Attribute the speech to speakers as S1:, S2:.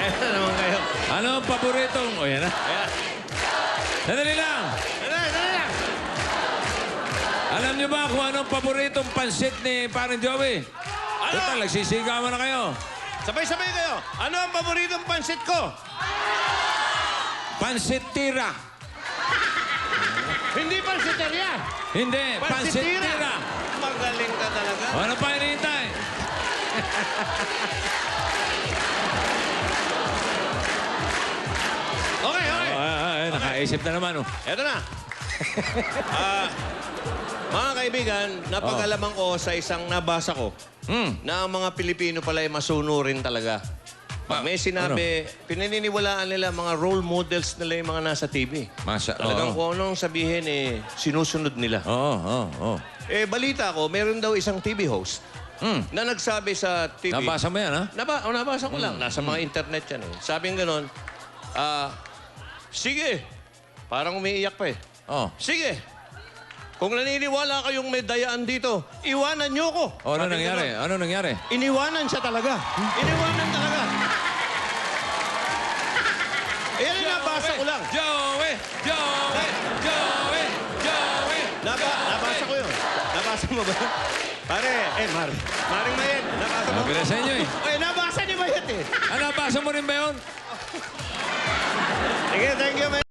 S1: Ayan na naman kayo.
S2: Ano ang paboritong... O, yan na.
S1: Ayan.
S2: Sandali lang.
S1: Dali lang.
S2: Alam niyo ba kung anong paboritong pansit ni Parang Joey?
S1: Ano?
S2: Total, nagsisigawan na kayo.
S1: Sabay-sabay kayo. Ano ang paboritong pansit ko?
S2: Pansit tira.
S1: Hindi pansiteria.
S2: Hindi, pansit tira.
S1: Magaling ka talaga.
S2: O, ano pa hinihintay?
S1: Okay.
S2: Nakaisip na naman, oh.
S1: Eto na. Mga kaibigan, napag-alaman ko sa isang nabasa ko na ang mga Pilipino pala ay masunurin talaga. Pag may sinabi, pinaniniwalaan nila mga role models nila yung mga nasa TV. Talagang kung anong sabihin, sinusunod nila.
S2: Oo.
S1: Balita ko, meron daw isang TV host na nagsabi sa TV.
S2: Nabasa mo yan, ha?
S1: Nabasa ko lang. Nasa mga internet yan. Sabing ganon, sige, parang umiiyak pa eh.
S2: Oh.
S1: Sige, kung naniniwala kayong may dayaan dito, iwanan niyo ko.
S2: Ano nangyari? Ano nangyari?
S1: Iniwanan siya talaga. Iniwanan talaga. Ayan ang nabasa ko lang.
S2: Joey!
S1: Nabasa ko yun. Nabasa mo ba? Pare, Maring Mayet, nabasa mo?
S2: Sabi na sa inyo, eh.
S1: Nabasa ni Mayet eh.
S2: Nabasa mo rin ba yun?
S1: Sige, thank you, Mayet.